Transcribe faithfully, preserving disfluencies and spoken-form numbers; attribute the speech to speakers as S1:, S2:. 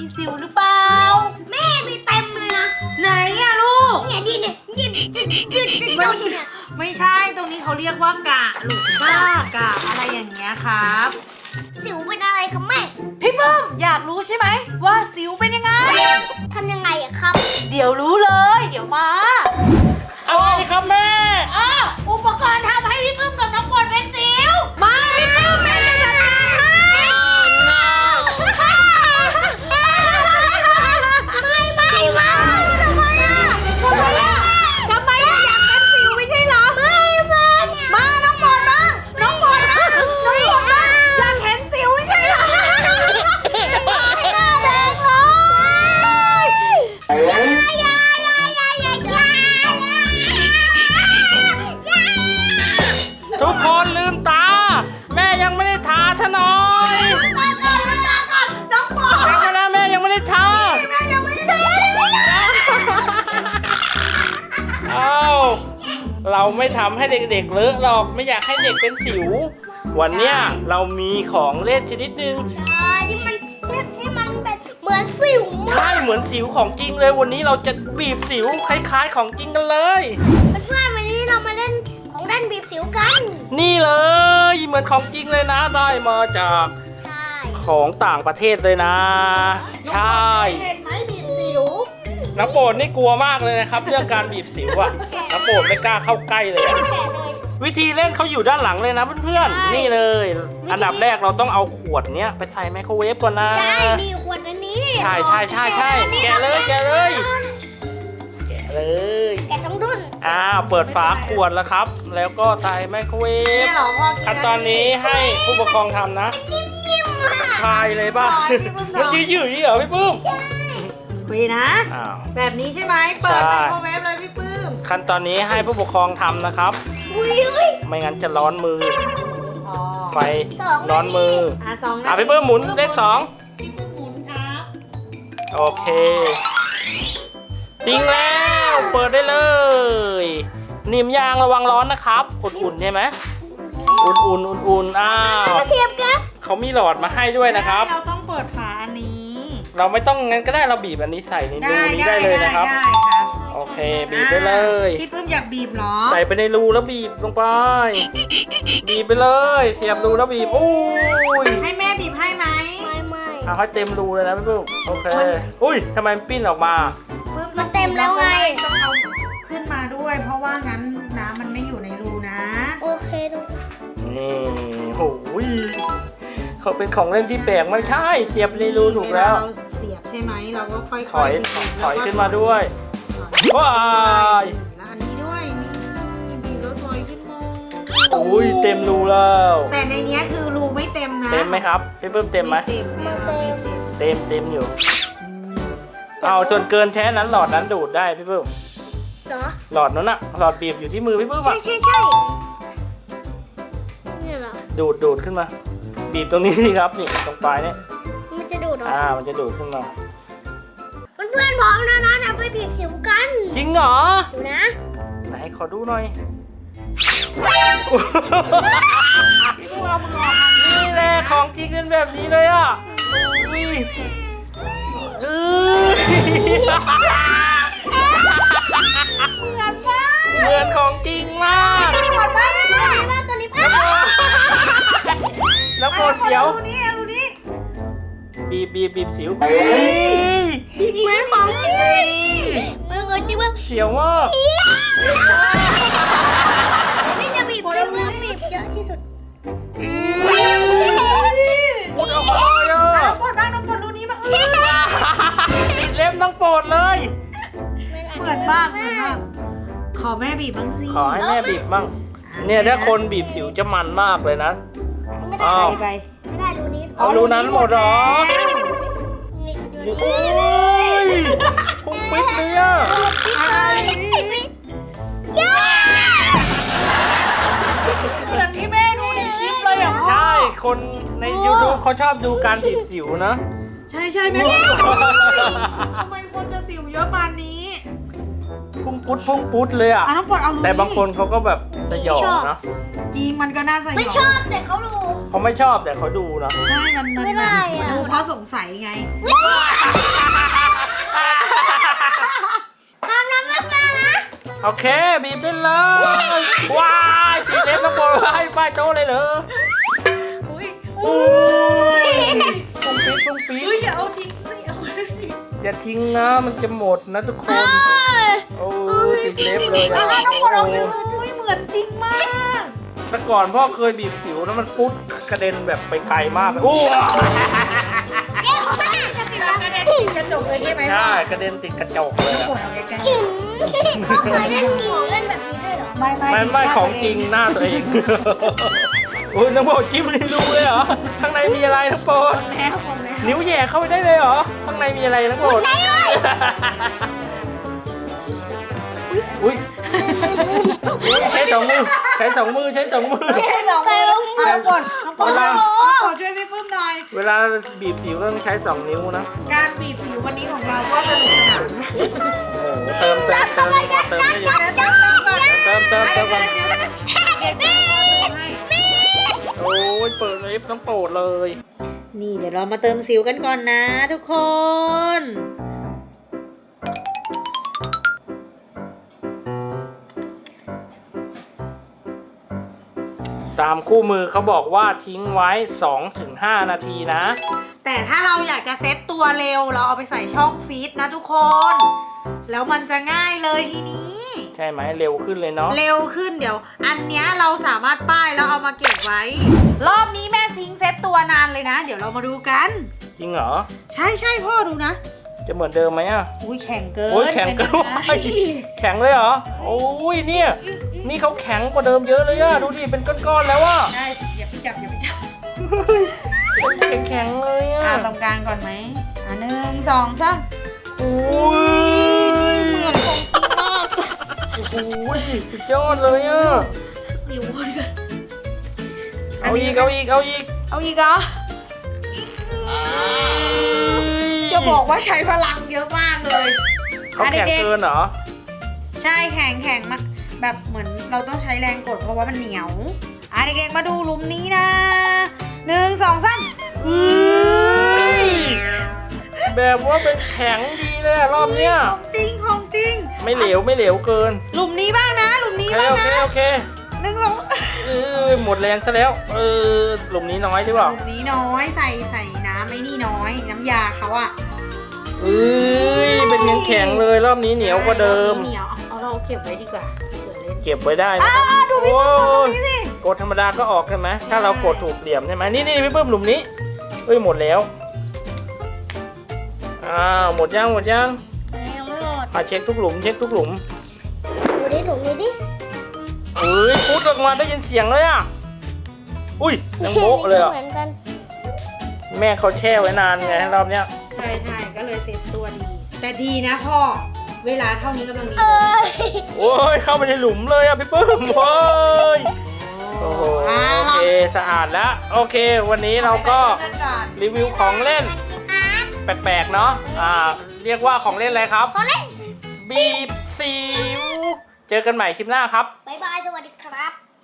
S1: สิวหรือเปล่า
S2: แม่มีเต็มเลยนะ
S1: ไหนอะลูก
S2: เนี่ยดิเนี่ยดิดิดิดิดิเนี่ย
S1: ไม่ใช่ตรงนี้เขาเรียกว่ากะลูกบ้ากะอะไรอย่างเงี้ยครับ
S2: สิวเป็นอะไรครับแม่
S1: พี่เพิ่มอยากรู้ใช่ไหมว่าสิวเป็นยังไง
S2: ทำยังไงอะครับ
S1: เดี๋ยวรู้เลยเดี๋ยวมา
S3: อะไรครับแม่
S1: อ่ะอุปกรณ์ทำให้พี่เพิ่มกับน้องปอนเป็นสิวมาพี่เพิ่มแม่จะจัดการให้
S2: ไม่ไม่ไม่
S1: ทำไมอ่ะทำไมอ่ะทำไมอ่ะอยากเป็นสิวไม่ใช่เหรอไม่ไม่มาน้องปอนบ้างน้องปอนนะน้องปอนบ้างอยากเห็นสิวไม่ใช่เหรอจะพาให้หน้าแดงเลย
S3: ทุกคนลืมตาแม่ยังไม่ได้ทาซะหน่อย
S1: ตาก่อนตาก่อนน้องปอน
S3: ยังไม่ได้แม่ยังไม่ได้ทา
S1: แม่ยังไม่ได้ทา
S3: อ้าวเราไม่ทำให้เด็กๆเลอะหรอกไม่อยากให้เด็กเป็นสิววันเนี้ยเรามีของเล่นชนิดนึง
S2: ใช่ที่มันที่มันแบบเหมือนสิว
S3: ใช่เหมือนสิวของจริงเลยวันนี้เราจะบีบสิวคล้ายๆของจริงกันเลย
S2: เพื่อนๆวันนี้เรามาเล่นของเล่นบีบสิวกัน
S3: นี่เลยเหมือนของจริงเลยนะได้มาจากของต่างประเทศเลยนะใช่
S1: เห็นไหมบีบสิว
S3: น้ำโปรดนี่กลัวมากเลยนะครับเรื่องการบีบสิวอะน้ำโปรดไม่กล้าเข้าใกล้เลยวิธีเล่นเขาอยู่ด้านหลังเลยนะเพื่อนๆนี่เลยอันดับแรกเราต้องเอาขวดเนี้ยไปใส่ไมโครเวฟก่อนนะ
S2: ใช่มีขวดอันนี้
S3: ใช่ใช่ใช่ใช่แกะเลยแกะเลยแกะเลย
S2: แกะต้องดุน
S3: อ้าวเปิดฝาขวดแล้วครับแล้วก็ใส่ไมโครเวฟขั้นตอนนี้ให้ผู้ปกครองทำนะทายเลยป่ะมันยืดๆเหรอพี่ปื้ม
S1: คุยนะแบบนี้ใช่ไหมเปิดไมโครเวฟเลยพี่ปื้ม
S3: ขั้นตอนนี้ให้ผู้ปกครองทำนะครับไม่งั้นจะร้อนมือไฟร้อนมืออ่ะพี่ปื้มหมุนเลขสอง
S1: พี่ปื้มหมุนครับ
S3: โอเคติ้งแล้วเปิดได้เลยนิ่มยางระวังร้อนนะครับอุ่นๆใช่ไหมอุ่นๆอุ่นๆอ้าวเขามีหลอดมาให้ด้วยนะครับ
S1: เราต้องเปิดฝาอันนี้
S3: เราไม่ต้องงั้นก็ได้เราบีบอันนี้ใส่ในรูนี้ได้เลยนะครับ
S1: ได้ครับ
S3: โอเคบีบไปเลย
S1: พี่ปื้มอยากบีบหรอ
S3: ใส่ไปในรูแล้วบีบลงไปบีบไปเลยเสียบรูแล้วบีบอุ้ย
S1: ให้แม่บีบให้ไหม
S2: ไม่ไม่
S3: เอาให้เต็มรูเลยนะพี่ปื้มโอเคอุ้ยทำไมมันปิ้นออกมา
S1: ปื้มมันเต็มแล้วไงต้องเอาขึ้นมาด้วยเพราะว่างั้นน้ำมันไม่อยู่ในรูนะ
S2: โอเคดู
S3: นี่โหยเขาเป็นของเล่นที่แปลกไม่ใช่เสียบในรูถูกแล้ว
S1: เราเสียบใช่ไหมเราก็ค่อย
S3: ถอยถอยขึ้นมาด้วยว้าย
S1: แล้วอันนี้ด้วยนี่บีบแล้วถอยขึ้นมา
S3: อุ้ยเต็มรูแล้ว
S1: แต่ในนี้คือรูไม่เต็มนะ
S3: เต็มไหมครับพี่เพิ่มเต็มไหม
S1: เต็มไม่เต็ม
S3: เต็มเต็มอยู่เอาจนเกินแค่นั้นหลอดนั้นดูดได้พี่เพิ่ม
S2: เหรอ
S3: หลอดนั้นอะหลอดบีบอยู่ที่มือพี่เพิ่มอะ
S2: ใช่ใช่ใช่นี่เหรอ
S3: ดูดดูดขึ้นมาบีบตรงนี้สิครับนี่ตรงปลายเนี่ย
S2: มันจะดูดเหรอ
S3: อ่ามันจะดูดขึ้นมา
S2: เพื่อนๆพร้อมแล้วนะนะไปบีบสิวกัน
S3: จริงเหรอ
S2: ดูนะ
S3: ไหนขอดูหน่อยนี่แหละของจริงเป็นแบบนี้เลยอ่ะอุ้ยเออเหมือนของจริงมาก
S2: เหมือนมากตัวนี้ตัวนี้
S3: แล้วโคตรเสียว
S1: ดูนี่ดูนี่
S3: บีบบีบบีบสิว
S2: เหมือนของจริงเหมือนของจริงว่า
S3: เสียวมาก
S2: นี่จะบีบเพื่อนบีบเยอะที่สุด
S3: ปวดออกมาเลยอ่ะ
S1: ปวดบ้างน้องปวดรูนี้มาเออ
S3: ติดเล็บต้องปวดเลย
S1: เหมือนมากเหมือนมากขอแม่บีบบ้างสิ
S3: ขอให้แม่บีบบ้างเนี่ยถ้าคนบีบสิวจะมันมากเลยนะ
S2: ไม่ได้ไปไม่ได้ดูนี้
S3: เอารูนั้นหมดหรอโอ้ยพุ่งปิ๊ดเลยอ่ะ
S1: เหมือนที่แม่ดูในคลิปเลยอ่ะ
S3: ใช่คนใน ยูทูบ เขาชอบดูการบีบสิวนะ
S1: ใช่ใช่แม่ทำไมคนจะสิวเยอะปานนี้
S3: พุ่งปุ๊ดพุ่งปุ๊ดเลยอ่ะ
S1: น้องปวดเอารู
S3: แต่บางคนเขาก็แบบจะหยอกนะ
S1: จริงมันก็น่าสยอง
S2: ไม่ชอบแต่เขาดู
S3: เขาไม่ชอบแต่เขาดูเนาะ
S1: ใช่มันมัน
S2: ไม่ได้อะ
S1: ดูเพราะสงสัยไง
S2: ทำน้ำไม่เป็นนะ
S3: โอเคบีบได้เลยว้ายตีเล็บน้ำบอลไล่ป้ายโต๊ะเลยเหรอ
S1: อุ้ย
S3: โอ้ยปุ้งปี๊ดปุ้งปี๊
S1: อุ้ย
S3: ด
S1: อย่าเอาทิ้งสิเอาไว้
S3: อย่าทิ้งนะมันจะหมดนะทุกคน โอ้ติดเล็บเลย
S1: อ่ะ
S3: อะ
S1: น้องบอลเอาอุ้ยเหมือนจริงมาก
S3: แต่ก่อนพ่อเคยบีบสิวแล้วมันปุ๊ดกระเด็นแบบไปไกลมากเลยโอ้
S1: จะติดกระเด็นติดกระจกเลยใช่ไหมพ่อ
S3: ใช่กระเด็นติดกระจกเลย
S1: น้อง
S3: อะ
S1: บอลเอาใกล้
S2: ชิมเขาเคยเล่นของเล่นแบบนี้ด้วยเหรอ
S1: ๆไม่ไม่
S3: ไม่ไม่ของจริงหน้าตัวเอง โอ้ยน้องโปรดจิ้มลิ้นดูเลยเหรอข้างในมีอะไรน้องโปรด
S1: แล้วหมดแล้ว
S3: นิ้วแหย่เข้าไปได้เลยเหรอข้างในมีอะไรน้องโปรดอุ้ยใช้สองมือใช้สองมือใช้สองมือ
S1: แค่สองมือน้องบอลน้องบอลน้องบอลช่วยพี่ปื้มหน่อย
S3: เวลาบีบสิวต้องใช้สองนิ้วนะ
S1: การบีบสิววันนี้ของเราก็สนุกสนาน
S3: โอ้โหเติมเติมเติมเติมไม่หยุด
S1: เดี๋ยวเติมเติมก่อน
S3: เติมเติมเติมก่อน
S1: เด็กๆเติมให้
S3: โอ้ยเปิดเล็บน้องโปรดเลย
S1: นี่เดี๋ยวเรามาเติมสิวกันก่อนนะทุกคน
S3: ตามคู่มือเขาบอกว่าทิ้งไว้ สองถึงห้า นาทีนะ
S1: แต่ถ้าเราอยากจะเซ็ตตัวเร็วเราเอาไปใส่ช่องฟีดนะทุกคน แล้วมันจะง่ายเลยทีนี้
S3: ใช่ไหมเร็วขึ้นเลยเนาะ
S1: เร็วขึ้นเดี๋ยว อันเนี้ยเราสามารถป้ายแล้วเอามาเก็บไว้ รอบนี้แม่ทิ้งเซ็ตตัวนานเลยนะ เดี๋ยวเรามาดูกัน
S3: จริงเหรอ
S1: ใช่ใช่พ่อดูนะ
S3: จะเหมือนเดิมไหมอ่ะ
S1: อุ้ยแข็งเกิน
S3: โอ้ยแข็ง
S1: เป็น
S3: เกิ
S1: ยั
S3: น
S1: งไง
S3: แข็งเลยเหรอ โอ้ยเนี่ย นี่เขาแข็งกว่าเดิมเยอะเลยอะดูดิเป็นก้อนๆแล้วอะ
S1: ได้สิอย่าไปจับอย่าไปจับ
S3: เป็นแข็งๆเลยอะ
S1: อ่าตรงกลางก่อนไหมอ่าหนึ่งสองสาม
S3: โอ้
S1: นี่เหมือนของจริงมาก
S3: โหสุดยอดเลยอะ
S1: สิวเลย
S3: เอาอีกเอาอีกเอาอีก
S1: เอาอีกเหรอจะบอกว่าใช้พลังเยอะมากเลย
S3: เขาแข็งเกินเหรอ
S1: ใช่แข็งแข็งมากแบบเหมือนเราต้องใช้แรงกดเพราะว่ามันเหนียวอ่ะเด็กๆมาดูหลุมนี้นะหนึ่งสองสาม
S3: แบบว่าเป็นแข็งดีเลยอะรอบเนี้ย
S1: ของจริงของจริง
S3: ไม่เหลวไม่เหลวเกิน
S1: หลุมนี้บ้างนะ หลุม
S3: โอ
S1: นี้
S3: เค
S1: บ้าง
S3: โอเค
S1: นะ
S3: โอเค
S1: หนึ่งสอง
S3: เออหมดแรงซะแล้ว เออหลุมนี้น้อยใช่
S1: ห
S3: เปล่า
S1: ลุมนี้น้อยใส่ใส่น้ำไอ้นี่น้อย น้ำยาเขาอะ
S3: เอ้ยเป็นแข็งๆเลยรอบนี้เหนียวกว่าเดิม
S1: เหนียวเอาเราเก็บไว้ดีกว่าเผื่อเล่น
S3: เก็บไว้ได้นะ
S1: อ่าดูพี่ปุ้มกดตรงนี้สิ
S3: กดธรรมดาก็ออกใช่ไหมถ้าเรากดถูกเหลี่ยมใช่ไหมนี่นี่พี่เพิ่มหลุมนี้เอ้ยหมดแล้วอ้าวหมดยังหมดยัง
S2: ยังไม่หมด
S3: อ่ะเช็คทุกหลุมเช็คทุกหลุม
S2: ดูดิดูดิดิ
S3: เอ้ยปุ๊ดออกมาได้ยินเสียงเลยอ่ะอุ้ยยังโบ๊ะเลยอ่ะ
S2: เหมือนกัน
S3: แม่เขาแช่ไว้นานไงรอบเนี้ย
S1: ใช่ใช่ก็เลยเซ็ตตัวดี แต่ดีนะพ่อ เวลาเท่านี้กำลังดี
S2: เออ
S3: โอ้ยเข้าไปในหลุมเลยอ่ะพี่เพิ่มโอ้ยโอ้โหโอเคสะอาดแล้วโอเค วันนี้เราก็
S1: เล่นก่อน
S3: รีวิวของเล่นแปลกๆเนาะอ่าเรียกว่าของเล่นอะไรครับ
S2: เขาเล่น
S3: บีบสิว เจอกันใหม่คลิปหน้าครับ
S2: บายบาย สวัสดีครับ